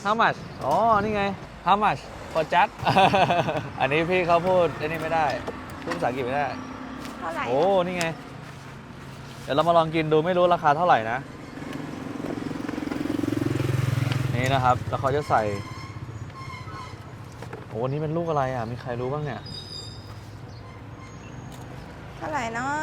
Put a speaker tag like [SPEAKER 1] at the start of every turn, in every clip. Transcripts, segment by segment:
[SPEAKER 1] how much อ๋อนี่ไง how much for just อันนี้พี่เขาพูดอันนี้ไม่ได้พูดภาษาอังกฤษไม่ได้
[SPEAKER 2] เท่าไหร่
[SPEAKER 1] โอ้นี่ไงเดี๋ยวเรามาลองกินดูไม่รู้ราคาเท่าไหร่นะนี่นะครับแล้วเขาจะใส่โอ้นี่เป็นลูกอะไรอ่ะมีใครรู้บ้างเนี่ย
[SPEAKER 2] เท่าไหร่เนาะ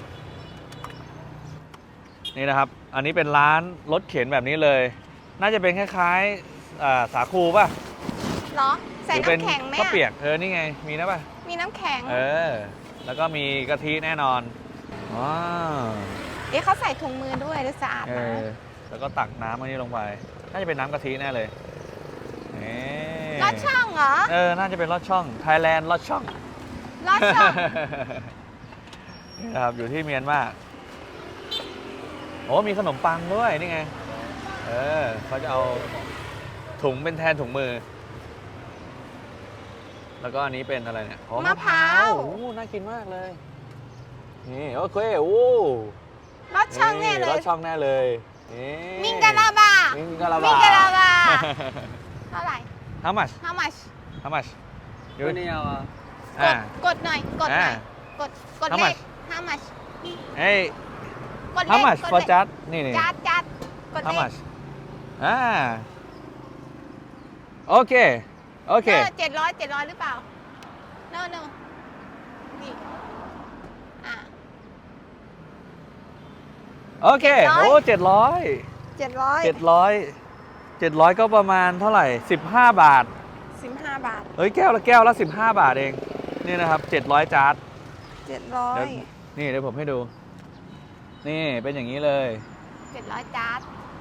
[SPEAKER 1] นี่นะครับอันนี้เป็นร้านรถเข็นแบบนี้เลย น่าจะเป็นคล้ายๆสาคูป่ะ
[SPEAKER 2] เหรอใส่
[SPEAKER 1] หรือเป็น
[SPEAKER 2] น้ำแข็งไหม
[SPEAKER 1] ข้าว
[SPEAKER 2] อะ
[SPEAKER 1] เปียกนี่ไงมีนะป่ะ
[SPEAKER 2] มีน้ำแข็ง
[SPEAKER 1] แล้วก็มีกะทิแน่นอนว้าว
[SPEAKER 2] เอ๊ะเขาใส่ถุงมือด้วยดูสะอาดนะ
[SPEAKER 1] แล้วก็ตักน้ำอันนี้ลงไปน่าจะเป็นน้ำกะทิแน่เลยนี่
[SPEAKER 2] ลอดช่องเหรอ
[SPEAKER 1] น่าจะเป็นลอดช่องไทยแลนด์ลอดช่อง
[SPEAKER 2] ลอดช่อง
[SPEAKER 1] นี่นะครับอยู่ที่เมียนมาโอ้มีขนมปังด้วยนี่ไงเขาจะเอาถุงเป็นแทนถุงมือ แล้วก็อันนี้เป็นอะไรเนี่ย
[SPEAKER 2] มะพร้าว
[SPEAKER 1] โอ้น่ากินมากเลยนี่โอเคโอ้
[SPEAKER 2] ลอดช่องแน่เล
[SPEAKER 1] ร
[SPEAKER 2] ย
[SPEAKER 1] สช่องแน่เลยนี่
[SPEAKER 2] มิงกะลาบา
[SPEAKER 1] มิงกะลาบา
[SPEAKER 2] มิงกะลาบา เท่าไหร่
[SPEAKER 1] How much
[SPEAKER 2] how much
[SPEAKER 1] How much
[SPEAKER 3] ตัวนี้เอาอ่ะ
[SPEAKER 2] กดหน่อยกดหน่อย กด
[SPEAKER 1] How
[SPEAKER 2] เลข
[SPEAKER 1] much
[SPEAKER 2] how much
[SPEAKER 1] เฮ้ย
[SPEAKER 2] กดเล
[SPEAKER 1] How
[SPEAKER 2] ข
[SPEAKER 1] much
[SPEAKER 2] กด
[SPEAKER 1] for
[SPEAKER 2] เลข
[SPEAKER 1] just นี่
[SPEAKER 2] จัดกดเล
[SPEAKER 1] How
[SPEAKER 2] ข
[SPEAKER 1] much โอเคโอเค
[SPEAKER 2] 700หรือเปล่า no นี่
[SPEAKER 1] โอเคโอ้700 ก็ประมาณเท่าไหร่15 บาท
[SPEAKER 2] 15 บาท
[SPEAKER 1] เฮ้ยแก้วละ15 บาทเองนี่นะครับ700จาร์ดเดี๋ยว
[SPEAKER 2] 700
[SPEAKER 1] นี่เดี๋ยวผมให้ดูนี่เป็นอย่างนี้เลย
[SPEAKER 2] 700จาร์ด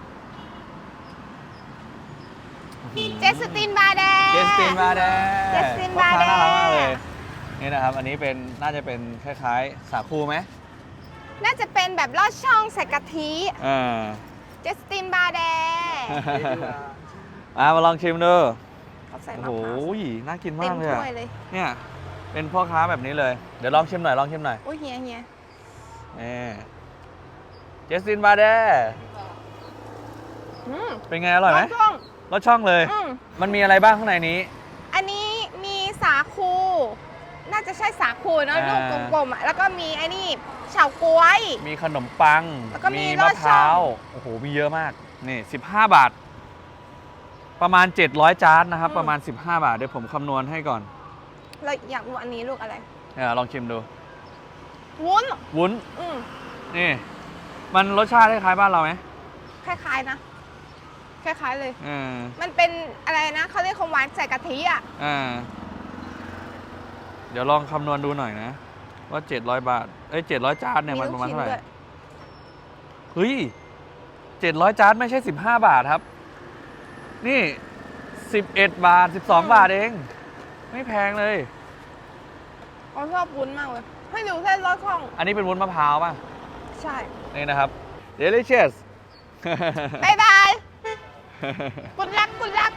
[SPEAKER 2] เจสตินบาแดง
[SPEAKER 1] เจสตินบาแดง
[SPEAKER 2] เจสตินบาแดง
[SPEAKER 1] พ่อค้น่ารักมากเลยนี่นะครับอันนี้เป็นน่าจะเป็นคล้ายๆสาคูไหม
[SPEAKER 2] น่าจะเป็นแบบลอดช่องใส่กะทิ เจสตินบาแดง
[SPEAKER 1] มาลองชิมดู
[SPEAKER 2] เขาใส่
[SPEAKER 1] โอ้
[SPEAKER 2] มะ
[SPEAKER 1] โห
[SPEAKER 2] พร้าว
[SPEAKER 1] น่ากิน
[SPEAKER 2] เต็
[SPEAKER 1] มาม กเลย
[SPEAKER 2] ถ้
[SPEAKER 1] อะ
[SPEAKER 2] วยเลย
[SPEAKER 1] เนี่ยเป็นพ่อค้าแบบนี้เลย เดี๋ยวลองชิมหน่อย
[SPEAKER 2] โอ้ยเฮีย
[SPEAKER 1] นี่เจสตินบาแดง
[SPEAKER 2] อืม
[SPEAKER 1] เป็นไงอร่อยไหม
[SPEAKER 2] ลอดช่อง
[SPEAKER 1] รสช่องเลย
[SPEAKER 2] อืม
[SPEAKER 1] มันมีอะไรบ้างข้างในนี้
[SPEAKER 2] อันนี้มีสาคู น่าจะใช่สาคูเนอะ
[SPEAKER 1] อ่า
[SPEAKER 2] ลูกกลมๆอ่ะแล้วก็มีไอ้นี่เฉาก๊วย
[SPEAKER 1] มีขนมปัง
[SPEAKER 2] แล้วก็มีล
[SPEAKER 1] มะ
[SPEAKER 2] อด
[SPEAKER 1] พ
[SPEAKER 2] ช่อง
[SPEAKER 1] ร้าวโอ้โหมีเยอะมากนี่15 บาท ประมาณ700จานนะครับประมาณ15 บาทเดี๋ยวผมคำนวณให้ก่อน
[SPEAKER 2] เราอยากรู้อันนี้ลูกอะไร
[SPEAKER 1] ลองชิมดู
[SPEAKER 2] วุ้น
[SPEAKER 1] วุ้น
[SPEAKER 2] อืม
[SPEAKER 1] นี่มันรสชาติคล้ายๆบ้านเราไหม
[SPEAKER 2] คล้ายๆนะ คล้ายๆเลย
[SPEAKER 1] เออ
[SPEAKER 2] มันเป็นอะไรนะเขาเรียกของหวานใส่กะทิอ่ะ
[SPEAKER 1] เดี๋ยวลองคำนวณดูหน่อยนะ ว่า700 บาท700จานเนี่ยมันประมาณเท่าไหร่
[SPEAKER 2] ลูกชิ้นด้วย
[SPEAKER 1] เฮ้ย700จานไม่ใช่15 บาทครับ นี่11 บาท12 บาทเอง ไม่แพงเลย
[SPEAKER 2] เขาชอบวุ้นมากเลย ให้ดูเส้นลอดช่อง
[SPEAKER 1] อันนี้เป็นวุ้นมะพร้าวป่ะ
[SPEAKER 2] ใช่
[SPEAKER 1] นี่นะครับ delicious
[SPEAKER 2] บ๊ายบาย กุดลัก